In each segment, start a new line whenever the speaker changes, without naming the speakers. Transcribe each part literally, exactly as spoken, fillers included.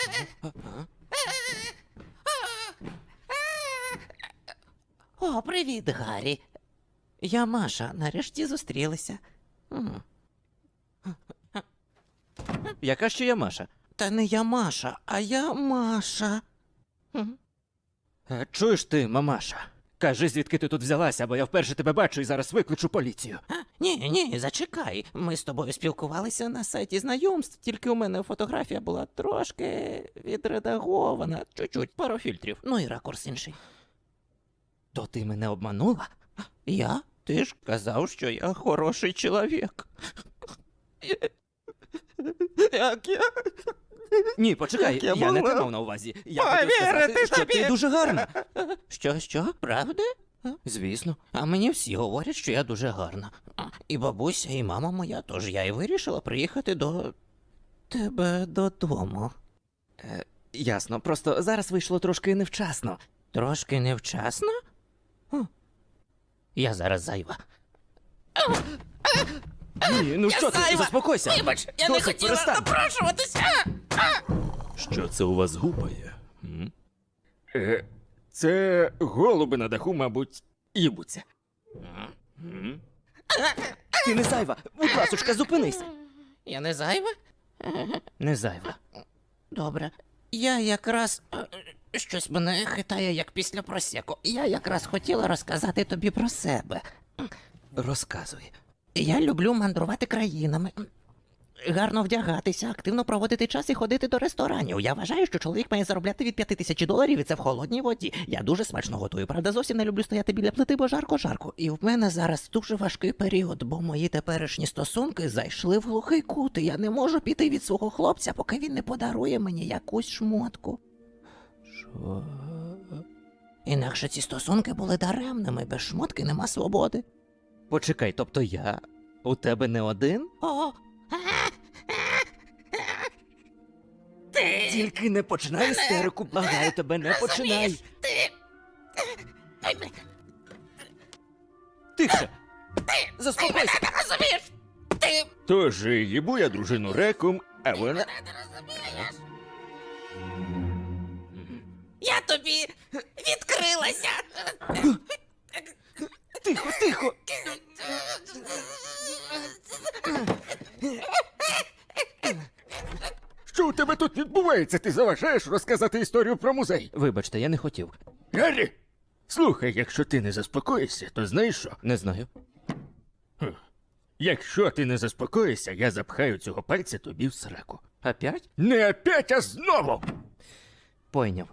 О, привіт, Гаррі. Я Маша, нарешті зустрілися.
Яка ще я Маша?
Та не я Маша, а я Маша.
Е, Чуєш ти, мамаша? Кажи, звідки ти тут взялася, бо я вперше тебе бачу і зараз викличу поліцію.
А, ні, ні, зачекай. Ми з тобою спілкувалися на сайті знайомств, тільки у мене фотографія була трошки відредагована, чуть-чуть, пару фільтрів. Ну і ракурс інший.
То ти мене обманула?
Я? Ти ж казав, що я хороший чоловік. Як я?
Ні, почекай,
Як
я,
я
не
могла
те мав на увазі. Я хотів
повірити
сказати, що
тобі?
ти дуже гарна.
Що, що? Правда?
Звісно.
А мені всі говорять, що я дуже гарна. А, І бабуся, і мама моя, тож я і вирішила приїхати до тебе додому.
Е, ясно, просто зараз вийшло трошки невчасно.
Трошки невчасно? О, Я зараз зайва.
Ні, ну що ти,
зайва!
заспокойся.
Вибач, я не
Досить,
хотіла
перестань.
напрошуватися!
Що це у вас гупає? М?
Е, це голуби на даху, мабуть, їбуться.
М?
Ти не зайва, будь ласочка, зупинись.
Я не зайва?
Не зайва.
Добре. Я якраз... е, Щось мене хитає, як після просеку. Я якраз хотіла розказати тобі про себе.
Розказуй.
Я люблю мандрувати країнами. Гарно вдягатися, активно проводити час і ходити до ресторанів. Я вважаю, що чоловік має заробляти від п'яти тисяч доларів, і це в холодній воді. Я дуже смачно готую, правда, зовсім не люблю стояти біля плити, бо жарко-жарко. І в мене зараз дуже важкий період, бо мої теперішні стосунки зайшли в глухий кут, і я не можу піти від свого хлопця, поки він не подарує мені якусь шмотку.
Що?
Інакше ці стосунки були даремними, без шмотки нема свободи.
Почекай, тобто я у тебе не один?
О, ти...
Тільки не починай істерику, благаю тебе, не починай.
Ти...
Тихше. Заспокойся.
Ти розумієш? Ти...
Тож їбу я дружину реком, а вона...
Не розумієш? Я тобі відкрилася.
Тихо, тихо.
Що у тебе тут відбувається? Ти заважаєш розказати історію про музей?
Вибачте, я не хотів.
Гаррі! Слухай, якщо ти не заспокоїшся, то знаєш що?
Не знаю.
Якщо ти не заспокоїшся, я запхаю цього пальця тобі в сраку.
Опять?
Не опять, а знову!
Пойняв.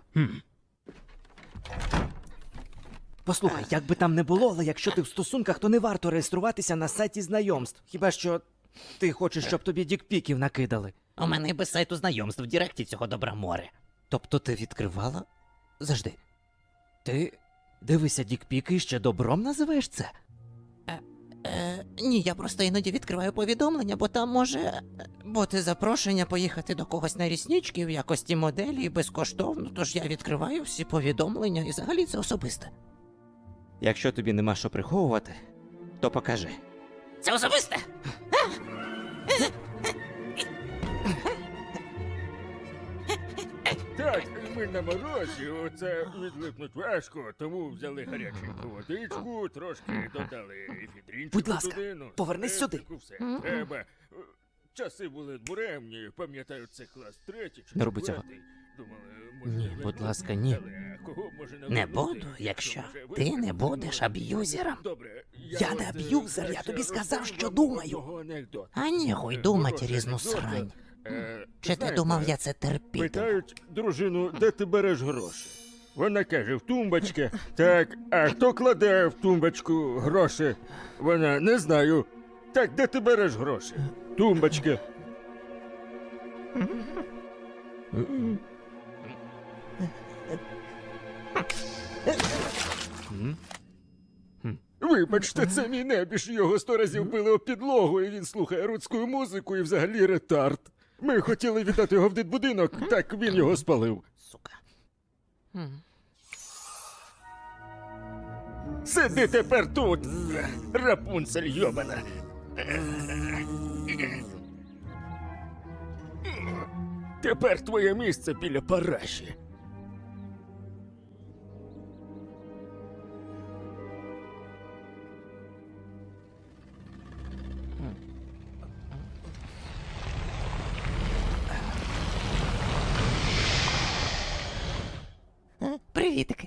Послухай, як би там не було, але якщо ти в стосунках, то не варто реєструватися на сайті знайомств. Хіба що ти хочеш, щоб тобі дікпіків накидали.
У мене і без сайту знайомств в Діректі цього добра море.
Тобто ти відкривала? Завжди. Ти дивися дікпіки і ще добром називаєш це?
Е, ні, я просто іноді відкриваю повідомлення, бо там може бути запрошення поїхати до когось на ріснички в якості моделі безкоштовно, тож я відкриваю всі повідомлення і взагалі це особисте.
Якщо тобі нема що приховувати, то покажи.
Це особисте?
Так, ми на морозі, оце відлипнуть важко, тому взяли гаряченьку водичку, трошки додали ефідрінчику
Будь ласка,
туди, ну,
повернись сюди.
пестику, все треба. Часи були буремні, пам'ятаю, це клас третій чи
Не роби цього.
четвертий. Думали, може,
Ні,
не
будь
буде,
ласка, ні.
але кого може
Не
наводити,
буду, якщо
може
ти не
визнати,
будеш
ну,
аб'юзером.
Добре,
Я не
от,
аб'юзер, я
краще
тобі сказав,
розповім
що
вам
думаю.
одного анекдота.
А ні, хуй
Е,
думать
хороший
різну
анекдот.
срань.
Е,
Чи ти
знаєте,
думав, я це терпітиму?
Питають дружину, де ти береш гроші? Вона каже, в тумбочці. Так, а хто кладе в тумбочку гроші? Вона, не знаю. Так, де ти береш гроші? Тумбочка. Вибачте, це мій небіж. Його сто разів били об підлогу, і він слухає рудську музику і взагалі ретард. Ми хотіли віддати його в дитбудинок, так він його спалив.
Сука.
Сиди тепер тут, Рапунцель йобана. Тепер твоє місце біля параші.
Е, Привітики.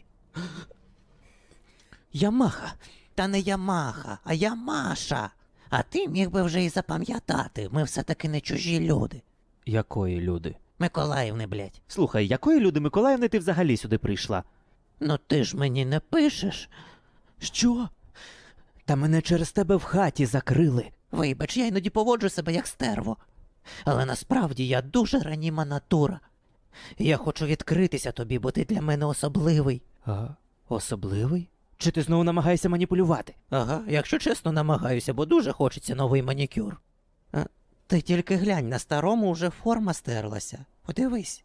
Ямаха.
Та не Ямаха, а Ямаша. А ти міг би вже і запам'ятати, ми все-таки не чужі люди.
Якої люди?
Миколаївни, блядь.
Слухай, якої люди Миколаївни ти взагалі сюди прийшла?
Ну ти ж мені не пишеш.
Що? Та мене через тебе в хаті закрили.
Вибач, я іноді поводжу себе як стерво. Але насправді я дуже раніма натура. Я хочу відкритися тобі, бо ти для мене особливий.
А, особливий? Чи ти знову намагаєшся маніпулювати?
Ага, якщо чесно, намагаюся, бо дуже хочеться новий манікюр. А, ти тільки глянь, на старому вже форма стерлася. Подивись.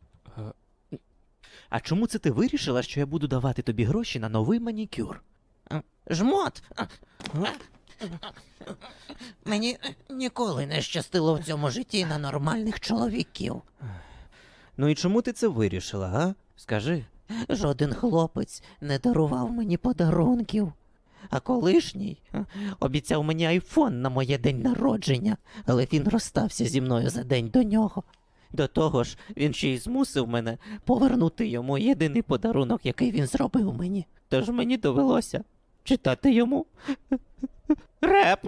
А чому це ти вирішила, що я буду давати тобі гроші на новий манікюр?
А, Жмот! А, а, Мені ніколи не щастило в цьому житті на нормальних чоловіків.
Ну і чому ти це вирішила, га? Скажи.
Жоден хлопець не дарував мені подарунків. А колишній а, обіцяв мені айфон на моє день народження, але він розстався зі мною за день до нього. До того ж, він ще й змусив мене повернути йому єдиний подарунок, який він зробив мені. Тож мені довелося читати йому реп.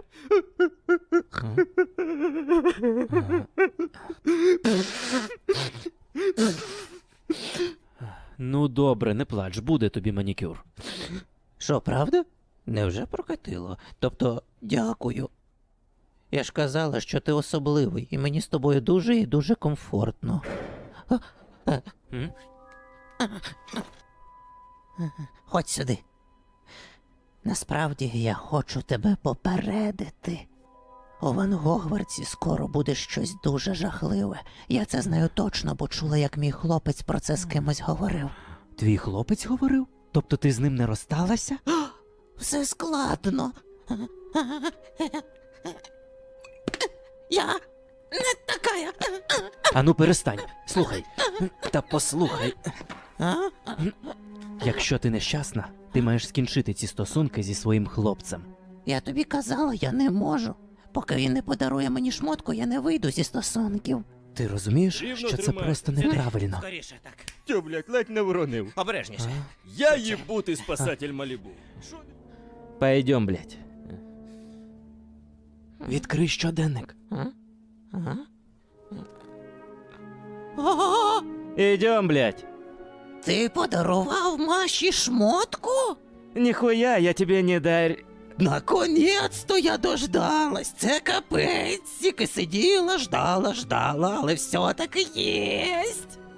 Ну добре, не плач, буде тобі манікюр.
Що, правда? Невже прокатило? Тобто, дякую. Я ж казала, що ти особливий, і мені з тобою дуже і дуже комфортно. А, а,
М?
Ходь сюди. Насправді я хочу тебе попередити. У Ван Гогвартсі скоро буде щось дуже жахливе. Я це знаю точно, бо чула, як мій хлопець про це з кимось говорив.
Твій хлопець говорив? Тобто ти з ним не розсталася?
Все складно. Я не такая.
Ану перестань. Слухай. Та послухай.
А?
Якщо ти нещасна, ти маєш скінчити ці стосунки зі своїм хлопцем.
Я тобі казала, я не можу. Поки він не подарує мені шмотку, я не вийду зі стосунків.
Ти розумієш,
Рівно
що це
тримай.
просто неправильно?
Скоріше, так.
Тю, блядь, ледь не воронив.
Обережніше.
Я їбутий спасатель Малібу.
Пойдем, блядь. Відкрий щоденник.
А? Ага. О,
Ідем, блядь.
ти подарував Маші шмотку?
Ніхуя, я тебе не дар...
Наконець-то я дождалась. Це капець. Тільки сиділа, ждала, ждала, але все-таки єсть.